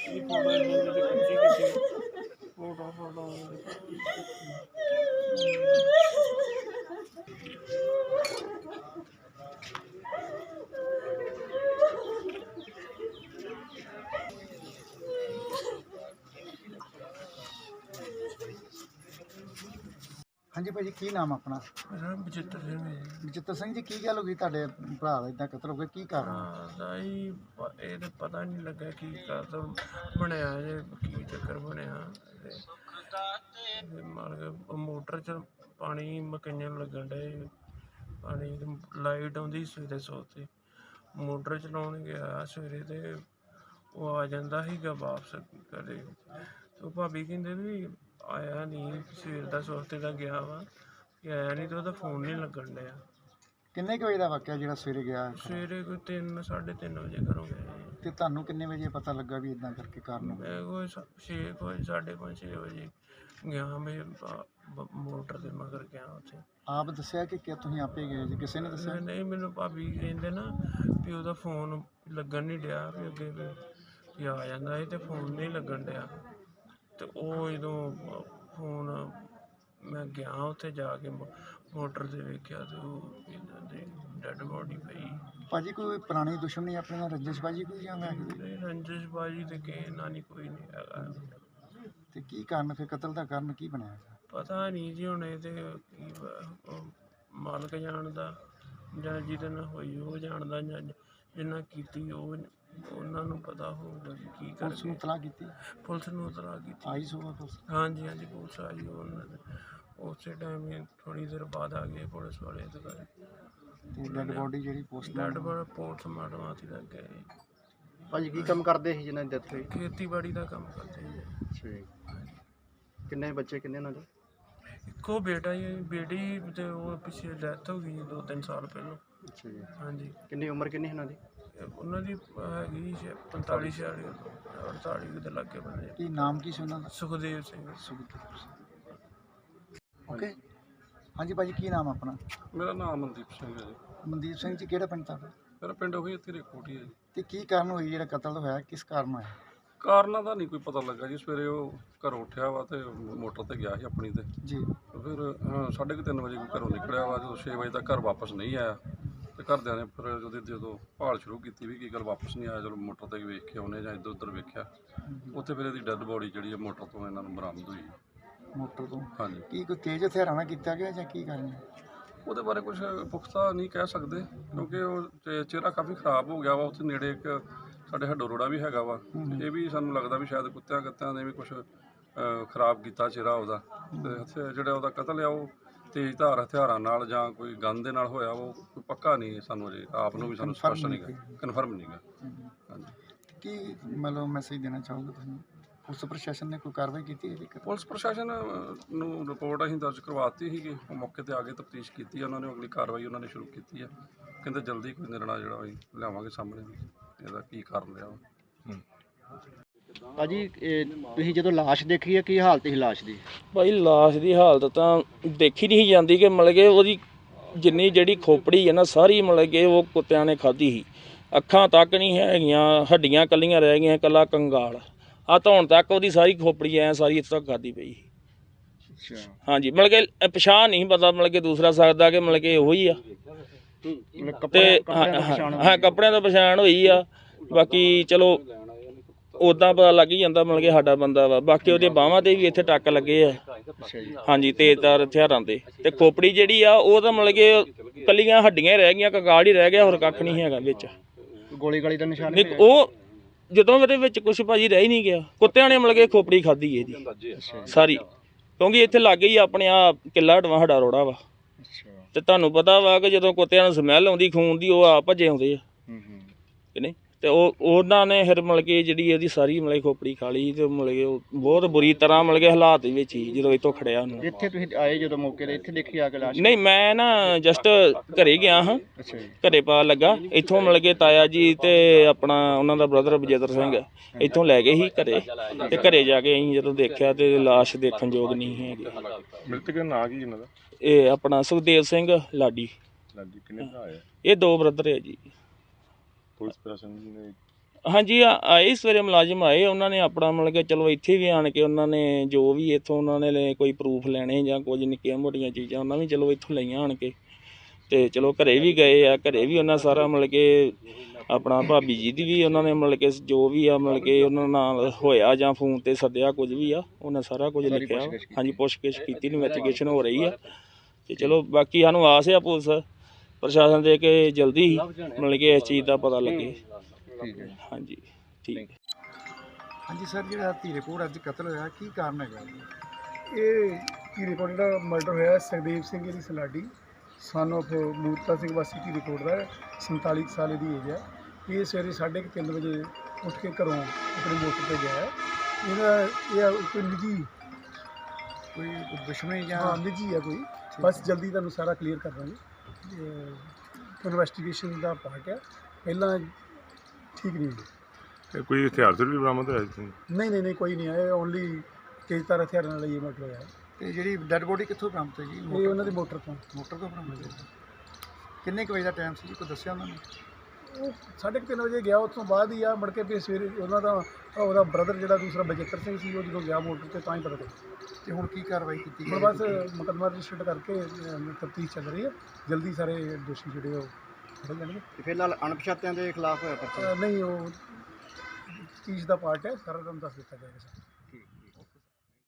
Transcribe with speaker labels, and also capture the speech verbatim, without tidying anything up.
Speaker 1: Photo photo
Speaker 2: हाँ जी भाजी की नाम अपना?
Speaker 1: बचित्र सिंह है जी।
Speaker 2: बचित्र सिंह जी की गल हो गई तुहाडे भरा दा इदां कतल हो गया की कारण?
Speaker 1: ये तो पता नहीं लगा कि कतल बनया जे की चक्कर बनया मोटर च पानी मकइयां लगन डे पानी लाइट आउंदी सवेरे सोते मोटर चलाउण गया सवेरे ते वो आ जांदा सीगा वापस घरे तो भाभी कहंदे भी आया नहीं सवेर दा सोते दा गया वा कि आया नहीं तो ਉਹਦਾ फोन नहीं लगन डया।
Speaker 2: किन्ने क बजे दा वाकया जिहड़ा सवेरे गया?
Speaker 1: सवेरे कोई तीन साढ़े तीन बजे घरों गए
Speaker 2: ते तुहानूं किन्ने बजे पता लगा भी इदां करके कारण?
Speaker 1: मैं कोई छे कोई साढ़े पाँच छे बजे गया मैं मोटर दे मगर गया उत्थे।
Speaker 2: आप दस्सिया कि क्या तुसीं आपे गए जी? किसी ने दस्सिया?
Speaker 1: नहीं मैनूं भाभी कहंदे ना भी ਉਹਦਾ फोन लगन नहीं डया भी अगे भी आ जांदा ਸੀ ते फोन नहीं लगन डया ते ਉਹ ਜਦੋਂ फोन मैं गया उत्थे जाके मोटर ते वेख्या ते ਉਹ इन्हां दे डेड बॉडी पई।
Speaker 2: भाजी कोई पुरानी दुश्मनी अपने नाल रंजिशबाजी कोई जां वैसे?
Speaker 1: नहीं रंजिशबाजी ते किसे नाल नहीं कोई नहीं हैगा
Speaker 2: ते की कारण फिर कतल दा कारण की बनया?
Speaker 1: पता नहीं जी हुण इहदे की मालक जानदा जां जिहदे नाल होई ओह जानदा जां जिन्ना कीती ओह ਉਹਨਾਂ ਨੂੰ पता होगा की
Speaker 2: पुलिस नूं इतलाह कीती?
Speaker 1: पुलिस नूं इतलाह कीती।
Speaker 2: आई सुबह पुलिस?
Speaker 1: हाँ जी हाँ जी पुलिस आई उस टाइम थोड़ी देर बाद आ गए पुलिस वाले
Speaker 2: ते डेड बॉडी जिहड़ी पोस्ट
Speaker 1: डेड बॉडी पोस्टमार्टम आती लग गए।
Speaker 2: भाजी की काम करदे ਸੀ ਜਿਨ੍ਹਾਂ ਦੀ ਡੈਥ ਹੋਈ?
Speaker 1: ਖੇਤੀਬਾੜੀ ਦਾ ਕੰਮ ਕਰਦੇ ਜੀ।
Speaker 2: ਅੱਛਾ ਜੀ। ਕਿੰਨੇ ਬੱਚੇ ਕਿੰਨੇ ਉਹਨਾਂ ਦੇ?
Speaker 1: ਇੱਕੋ ਬੇਟਾ ਹੀ ਬੇਟੀ ਤੇ ਉਹ ਪਿੱਛੇ ਡੈਥ ਹੋ ਗਈ ਦੋ ਤਿੰਨ ਸਾਲ ਪਹਿਲਾਂ।
Speaker 2: ਅੱਛਾ ਜੀ।
Speaker 1: ਹਾਂਜੀ
Speaker 2: ਕਿੰਨੀ ਉਮਰ ਕਿੰਨੀ ਉਹਨਾਂ ਦੀ?
Speaker 1: ਉਹਨਾਂ ਦੀ ਹੈਗੀ ਪੰਤਾਲੀ ਛਿਆਲੀ ਅੜਤਾਲੀ ਦੇ ਲਾਗੇ ਬੰਦੇ।
Speaker 2: ਕੀ ਨਾਮ ਕੀ ਸੀ ਉਹਨਾਂ ਦਾ?
Speaker 1: ਸੁਖਦੇਵ ਸਿੰਘ।
Speaker 2: ਸੁਖਦੇਵ ਸਿੰਘ। ਓਕੇ ਹਾਂਜੀ ਭਾਜੀ ਕੀ ਨਾਮ ਆਪਣਾ?
Speaker 3: ਮੇਰਾ ਨਾਮ ਮਨਦੀਪ ਸਿੰਘ ਹੈ ਜੀ।
Speaker 2: ਮਨਦੀਪ ਸਿੰਘ ਜੀ ਕਿਹੜਾ ਪਿੰਡ ਤੁਹਾਡਾ?
Speaker 3: ਮੇਰਾ ਪਿੰਡ ਉਹੀ ਇੱਥੇ ਰੇਕੋਟੀ ਹੈ ਜੀ।
Speaker 2: ਤੇ ਕੀ ਕਾਰਨ ਹੋਈ ਜਿਹੜਾ ਕਤਲ ਹੋਇਆ ਕਿਸ ਕਾਰਨ ਹੋਇਆ?
Speaker 3: ਕਾਰਨਾਂ ਦਾ ਨਹੀਂ ਕੋਈ ਪਤਾ ਲੱਗਾ ਜੀ। ਸਵੇਰੇ ਉਹ ਘਰੋਂ ਉੱਠਿਆ ਵਾ ਤੇ ਮੋਟਰ ਤੇ ਗਿਆ ਸੀ ਆਪਣੀ ਤੇ
Speaker 2: ਜੀ।
Speaker 3: ਫਿਰ ਸਾਢੇ ਕੁ ਤਿੰਨ ਵਜੇ ਘਰੋਂ ਨਿਕਲਿਆ ਵਾ ਜਦੋਂ ਛੇ ਵਜੇ ਤੱਕ ਘਰ ਵਾਪਸ ਨਹੀਂ ਆਇਆ ਤੇ ਘਰਦਿਆਂ ਨੇ ਫਿਰ ਜਦੋਂ ਜਦੋਂ ਭਾਲ ਸ਼ੁਰੂ ਕੀਤੀ ਵੀ ਕੀ ਗੱਲ ਵਾਪਸ ਨਹੀਂ ਆਇਆ ਚਲੋ ਮੋਟਰ ਤੇ ਵੇਖ ਕੇ ਆਉਨੇ ਜਾਂ ਇੱਧਰ ਉੱਧਰ ਵੇਖਿਆ ਉੱਥੇ ਫਿਰ ਇਹਦੀ ਡੈੱਡ ਬੋਡੀ ਜਿਹੜੀ ਹੈ ਮੋਟਰ ਤੋਂ ਇਹਨਾਂ ਨੂੰ ਬਰਾਮਦ ਹੋਈ।
Speaker 2: ਮੋਟਰ ਤੋਂ?
Speaker 3: ਹਾਂਜੀ।
Speaker 2: ਕੀ ਕੋਈ ਤੇਜ਼ ਹਥਿਆਰਾਂ ਨਾਲ ਕੀਤਾ ਗਿਆ ਜਾਂ ਕੀ ਕਾਰਨ?
Speaker 3: ਉਹਦੇ ਬਾਰੇ ਕੁਝ ਪੁਖਤਾ ਨਹੀਂ ਕਹਿ ਸਕਦੇ ਕਿਉਂਕਿ ਉਹ ਚੇ- ਚਿਹਰਾ ਕਾਫੀ ਖਰਾਬ ਹੋ ਗਿਆ ਵਾ। ਉੱਥੇ ਨੇੜੇ ਇੱਕ ਸਾਡੇ ਹੱਡੋ ਰੋੜਾ ਵੀ ਹੈਗਾ ਵਾ ਇਹ ਵੀ ਸਾਨੂੰ ਲੱਗਦਾ ਵੀ ਸ਼ਾਇਦ ਕੁੱਤਿਆਂ ਕੱਤਿਆਂ ਨੇ ਵੀ ਕੁਛ ਖਰਾਬ ਕੀਤਾ ਚਿਹਰਾ ਉਹਦਾ ਤੇ ਹਥਿਆਰ ਜਿਹੜਾ ਉਹਦਾ ਕਤਲ ਆ ਉਹ ਤੇਜ਼ ਧਾਰ ਹਥਿਆਰਾਂ ਨਾਲ ਜਾਂ ਕੋਈ ਗਨ ਦੇ ਨਾਲ ਹੋਇਆ ਉਹ ਕੋਈ ਪੱਕਾ ਨਹੀਂ ਸਾਨੂੰ ਅਜੇ ਆਪ ਨੂੰ ਵੀ ਸਾਨੂੰ ਸਪਸ਼ਟ ਨਹੀਂ ਗਾ ਕਨਫਰਮ ਨਹੀਂ ਗਾ। ਹਾਂਜੀ।
Speaker 2: ਕੀ ਮਤਲਬ ਮੈਸੇਜ ਦੇਣਾ ਚਾਹੋਗੇ ਤੁਸੀਂ? ਪੁਲਿਸ ਪ੍ਰਸ਼ਾਸਨ ਨੇ ਕੋਈ ਕਾਰਵਾਈ ਕੀਤੀ ਹੈ?
Speaker 3: ਪੁਲਿਸ ਪ੍ਰਸ਼ਾਸਨ ਨੂੰ ਰਿਪੋਰਟ ਅਸੀਂ ਦਰਜ ਕਰਵਾਤੀ ਸੀਗੀ ਉਹ ਮੌਕੇ ਤੇ ਆ ਕੇ ਤਫਤੀਸ਼ ਕੀਤੀ ਉਹਨਾਂ ਨੇ ਅਗਲੀ ਕਾਰਵਾਈ ਉਹਨਾਂ ਨੇ ਸ਼ੁਰੂ ਕੀਤੀ ਹੈ। ਕਹਿੰਦੇ ਜਲਦੀ ਕੋਈ ਨਿਰਣਾ ਜਿਹੜਾ ਅਸੀਂ ਲਿਆਵਾਂਗੇ ਸਾਹਮਣੇ ਇਹਦਾ ਕੀ ਕਾਰਨ ਰਿਹਾ।
Speaker 2: ਭਾਜੀ ਤੁਸੀਂ ਜਦੋਂ ਲਾਸ਼ ਦੇਖੀ ਹੈ ਕੀ ਹਾਲਤ ਸੀ ਲਾਸ਼ ਦੀ?
Speaker 4: ਭਾਈ ਲਾਸ਼ ਦੀ ਹਾਲਤ ਤਾਂ ਦੇਖੀ ਨਹੀਂ ਜਾਂਦੀ ਕਿ ਮਤਲਬ ਕਿ ਉਹਦੀ ਜਿੰਨੀ ਜਿਹੜੀ ਖੋਪੜੀ ਹੈ ਨਾ ਸਾਰੀ ਮਤਲਬ ਕਿ ਉਹ ਕੁੱਤਿਆਂ ਨੇ ਖਾਧੀ ਸੀ। ਅੱਖਾਂ ਤੱਕ ਨਹੀਂ ਹੈਗੀਆਂ ਹੱਡੀਆਂ ਕੱਲੀਆਂ ਰਹਿ ਗਈਆਂ ਕੱਲਾ ਕੰਗਾਲ ਆ ਧੌਣ ਤੱਕ ਉਹਦੀ ਸਾਰੀ ਖੋਪੜੀ ਐ ਸਾਰੀ ਇੱਥੇ ਤੱਕ ਖਾਧੀ ਪਈ।
Speaker 2: ਅੱਛਾ। ਹਾਂਜੀ
Speaker 4: ਮਤਲਬ ਕਿ ਪਛਾਣ ਨਹੀਂ ਪਤਾ ਮਤਲਬ ਕਿ ਦੂਸਰਾ ਸਕਦਾ ਕਿ ਮਤਲਬ ਕਿ ਉਹੋ ਹੀ ਆ ਤੇ ਹਾਂ ਕੱਪੜਿਆਂ ਤੋਂ ਪਛਾਣ ਹੋਈ ਆ। ਬਾਕੀ ਚਲੋ ਉੱਦਾਂ ਪਤਾ ਲੱਗ ਹੀ ਜਾਂਦਾ ਮਤਲਬ ਕਿ ਸਾਡਾ ਬੰਦਾ ਵਾ। ਬਾਕੀ ਉਹਦੇ ਬਾਹਾਂ ਤੇ ਵੀ ਇੱਥੇ ਟੱਕ ਲੱਗੇ ਆ। ਹਾਂਜੀ ਤੇਜ਼ਧਾਰ ਹਥਿਆਰਾਂ ਦੇ ਤੇ ਖੋਪੜੀ ਜਿਹੜੀ ਆ ਉਹ ਤਾਂ ਮਤਲਬ ਕਿ ਕੱਲੀਆਂ ਹੱਡੀਆਂ ਰਹਿ ਗਈਆਂ ਕੰਗਾਲ ਹੀ ਰਹਿ ਗਿਆ ਹੋਰ ਕੱਖ ਨਹੀਂ ਹੈਗਾ ਵਿੱਚ।
Speaker 2: ਗੋਲੀ ਗਾਲੀ ਦਾ ਨਿਸ਼ਾਨ
Speaker 4: ਨਹੀਂ ਉਹ ਜਦੋਂ ਉਹਦੇ ਵਿੱਚ ਕੁਛ ਭਾਜੀ ਰਹਿ ਹੀ ਨਹੀਂ ਗਿਆ। ਕੁੱਤਿਆਂ ਨੇ ਮਤਲਬ ਕਿ ਖੋਪੜੀ ਖਾਧੀ ਇਹਦੀ ਸਾਰੀ ਕਿਉਂਕਿ ਇੱਥੇ ਲਾਗੇ ਹੀ ਆਪਣੇ ਆ ਕਿੱਲਾ ਹਟਵਾ ਸਾਡਾ ਰੋੜਾ ਵਾ ਤੇ ਤੁਹਾਨੂੰ ਪਤਾ ਵਾ ਕਿ ਜਦੋਂ ਕੁੱਤਿਆਂ ਨੂੰ ਸਮੈਲ ਆਉਂਦੀ ਖੂਨ ਦੀ ਉਹ ਆ ਭੱਜੇ ਆਉਂਦੇ ਆ ਕਿ ਨਹੀਂ ਤੇ ਉਹ ਉਹਨਾਂ ਨੇ ਫਿਰ ਮਤਲਬ ਕਿ ਜਿਹੜੀ ਇਹਦੀ ਸਾਰੀ ਮਤਲਬ ਖੋਪੜੀ ਖਾ ਲਈ ਤੇ ਮਤਲਬ ਕਿ ਉਹ ਬਹੁਤ ਬੁਰੀ ਤਰ੍ਹਾਂ ਮਤਲਬ ਕਿ ਹਾਲਾਤ ਦੇ ਵਿੱਚ ਹੀ ਜਦੋਂ ਇੱਥੋਂ ਖੜਿਆ ਉਹਨੂੰ।
Speaker 2: ਇੱਥੇ ਤੁਸੀਂ ਆਏ ਜਦੋਂ ਮੌਕੇ ਤੇ ਇੱਥੇ ਦੇਖੀ ਆ ਕੇ ਲਾਸ਼?
Speaker 4: ਨਹੀਂ ਮੈਂ ਨਾ ਜਸਟ ਘਰੇ ਗਿਆ ਹਾਂ।
Speaker 2: ਅੱਛਾ ਜੀ।
Speaker 4: ਘਰੇ ਪਾ ਲੱਗਾ ਇੱਥੋਂ ਮਤਲਬ ਕਿ ਤਾਇਆ ਜੀ ਤੇ ਆਪਣਾ ਉਹਨਾਂ ਦਾ ਬ੍ਰਦਰ ਬਜੇਦਰ ਸਿੰਘ ਇੱਥੋਂ ਲੈ ਗਏ ਸੀ ਘਰੇ ਤੇ ਘਰੇ ਜਾ ਕੇ ਅਸੀਂ ਜਦੋਂ ਦੇਖਿਆ ਤੇ ਲਾਸ਼ ਦੇਖਣ ਯੋਗ ਨਹੀਂ ਹੈਗੀ।
Speaker 3: ਮ੍ਰਿਤਕ ਦਾ ਨਾਂ ਕੀ ਇਹਨਾਂ ਦਾ?
Speaker 4: ਇਹ ਆਪਣਾ ਸੁਖਦੇਵ ਸਿੰਘ ਲਾਡੀ।
Speaker 3: ਲਾਡੀ ਕਿੰਨੇ ਭਰਾ ਆ?
Speaker 4: ਇਹ ਦੋ ਬ੍ਰਦਰ ਹੈ ਜੀ।
Speaker 3: ਪੁਲਿਸ ਪ੍ਰਸ਼ਾਸਨ ਨੇ
Speaker 4: ਹਾਂਜੀ ਆ- ਆਏ ਸਵੇਰੇ ਮੁਲਾਜ਼ਮ ਆਏ, ਉਹਨਾਂ ਨੇ ਆਪਣਾ ਮਤਲਬ ਕਿ ਚਲੋ ਇੱਥੇ ਵੀ ਆਣ ਕੇ ਉਹਨਾਂ ਨੇ ਜੋ ਵੀ ਇੱਥੋਂ ਉਹਨਾਂ ਨੇ ਲੈ- ਕੋਈ ਪ੍ਰੂਫ ਲੈਣੇ ਜਾਂ ਕੁਝ ਨਿੱਕੀਆਂ ਮੋਟੀਆਂ ਚੀਜ਼ਾਂ ਉਹਨਾਂ ਵੀ ਚਲੋ ਇੱਥੋਂ ਲਈਆਂ ਆਣ ਕੇ, ਤੇ ਚਲੋ ਘਰੇ ਵੀ ਗਏ ਆ, ਘਰੇ ਵੀ ਉਹਨਾਂ ਸਾਰਾ ਮਤਲਬ ਕਿ ਆਪਣਾ ਭਾਬੀ ਜੀ ਦੀ ਵੀ ਉਹਨਾਂ ਨੇ ਮਤਲਬ ਕਿ ਜੋ ਵੀ ਆ ਮਤਲਬ ਕਿ ਉਹਨਾਂ ਨਾਲ ਹੋਇਆ ਜਾਂ ਫੋਨ ਤੇ ਸੱਦਿਆ ਕੁਝ ਵੀ ਆ ਉਹਨਾਂ ਸਾਰਾ ਕੁਝ ਲਿਖਿਆ। ਹਾਂਜੀ ਪੁੱਛਗਿੱਛ ਕੀਤੀ, ਇਨਵੈਸਟੀਗੇਸ਼ਨ ਹੋ ਰਹੀ ਆ, ਤੇ ਚਲੋ ਬਾਕੀ ਸਾਨੂੰ ਆਸ ਆ ਪੁਲਿਸ ਪ੍ਰਸ਼ਾਸਨ ਦੇ ਕਿ ਜਲਦੀ ਹੀ ਮਤਲਬ ਕਿ ਇਸ ਚੀਜ਼ ਦਾ ਪਤਾ ਲੱਗੇ।
Speaker 2: ਠੀਕ ਹੈ
Speaker 4: ਹਾਂਜੀ ਠੀਕ।
Speaker 2: ਹਾਂਜੀ ਸਰ, ਜਿਹੜਾ ਧੀਰੇਪੁਰ ਅੱਜ ਕਤਲ ਹੋਇਆ ਕੀ ਕਾਰਨ ਹੈਗਾ ਜੀ?
Speaker 5: ਇਹ ਧੀਰੇਕੋਟ ਜਿਹੜਾ ਮਰਡਰ ਹੋਇਆ ਸੁਖਦੇਵ ਸਿੰਘ ਦੀ ਸਲਾਡੀ ਸਨ ਆਫ ਮੂਰਤਾ ਸਿੰਘ ਵਾਸੀ ਧੀਰੇਕੋਟ ਦਾ, ਸੰਤਾਲੀ ਕੁ ਸਾਲ ਦੀ ਏਜ ਹੈ। ਇਹ ਸਵੇਰੇ ਸਾਢੇ ਕੁ ਤਿੰਨ ਵਜੇ ਉੱਠ ਕੇ ਘਰੋਂ ਆਪਣੇ ਮੋਟਰ 'ਤੇ ਗਿਆ ਹੈ। ਇਹਦਾ ਇਹ ਕੋਈ ਨਿੱਜੀ
Speaker 2: ਕੋਈ ਦੁਸ਼ਮਣੀ ਜਾਂ
Speaker 5: ਹਾਂ ਨਿੱਜੀ ਹੈ ਕੋਈ, ਬਸ ਜਲਦੀ ਤੁਹਾਨੂੰ ਸਾਰਾ ਕਲੀਅਰ ਕਰ ਦਾਂਗੇ। ਇਨਵੈਸਟੀਗੇਸ਼ਨ ਦਾ ਪਾਰਟ ਹੈ, ਪਹਿਲਾਂ ਠੀਕ ਨਹੀਂ ਹੈ।
Speaker 6: ਤੇ ਕੋਈ ਹਥਿਆਰ ਤੇ ਵੀ ਬਰਾਮਦ ਹੋਇਆ ਜੀ?
Speaker 5: ਨਹੀਂ ਨਹੀਂ ਨਹੀਂ ਕੋਈ ਨਹੀਂ ਹੈ, ਓਨਲੀ ਤੇਜ਼ਧਾਰ ਹਥਿਆਰਾਂ ਨਾਲ ਇਹ ਮਰਡਰ ਹੋਇਆ ਹੈ।
Speaker 2: ਤੇ ਜਿਹੜੀ ਡੈੱਡ ਬੋਡੀ ਕਿੱਥੋਂ ਬਰਾਮਦ ਹੋਈ ਜੀ?
Speaker 5: ਇਹ ਉਹਨਾਂ ਦੀ ਮੋਟਰ ਤੋਂ
Speaker 2: ਮੋਟਰ ਤੋਂ ਬਰਾਮਦ ਹੋਈ। ਕਿੰਨੇ ਕੁ ਵਜੇ ਦਾ ਟਾਈਮ ਸੀ ਜੀ, ਕੋਈ ਦੱਸਿਆ ਉਹਨਾਂ ਨੇ?
Speaker 5: ਉਹ ਸਾਢੇ ਕੁ ਤਿੰਨ ਵਜੇ ਗਿਆ, ਉਸ ਤੋਂ ਬਾਅਦ ਹੀ ਆ ਮੁੜ ਕੇ ਫਿਰ ਸਵੇਰੇ ਉਹਨਾਂ ਦਾ ਉਹਦਾ ਬ੍ਰਦਰ ਜਿਹੜਾ ਦੂਸਰਾ ਬਜਿੱਤਰ ਸਿੰਘ ਸੀ, ਉਹ ਜਦੋਂ ਗਿਆ ਮੋਟਰ 'ਤੇ ਤਾਂ ਹੀ ਪਤਾ ਲੱਗਿਆ।
Speaker 2: ਤੇ ਹੁਣ ਕੀ ਕਾਰਵਾਈ ਕੀਤੀ
Speaker 5: ਹੁਣ
Speaker 2: ਗਈ?
Speaker 5: ਬਸ ਮੁਕੱਦਮਾ ਰਜਿਸਟਰ ਕਰਕੇ ਤਫਤੀਸ਼ ਚੱਲ ਰਹੀ ਹੈ, ਜਲਦੀ ਸਾਰੇ ਦੋਸ਼ੀ ਜਿਹੜੇ ਉਹ ਫੜੇ ਜਾਣਗੇ।
Speaker 2: ਤੇ ਫਿਲਹਾਲ ਅਣਪਛਾਤਿਆਂ ਦੇ ਖਿਲਾਫ ਹੋਇਆ ਪਰਚਾ?
Speaker 5: ਅ, ਨਹੀਂ ਉਹ ਤਫਤੀਸ਼ ਦਾ ਪਾਰਟ ਹੈ, ਸਾਰਾ ਤੁਹਾਨੂੰ ਦੱਸ ਦਿੱਤਾ ਜਾਏਗਾ ਸਰ।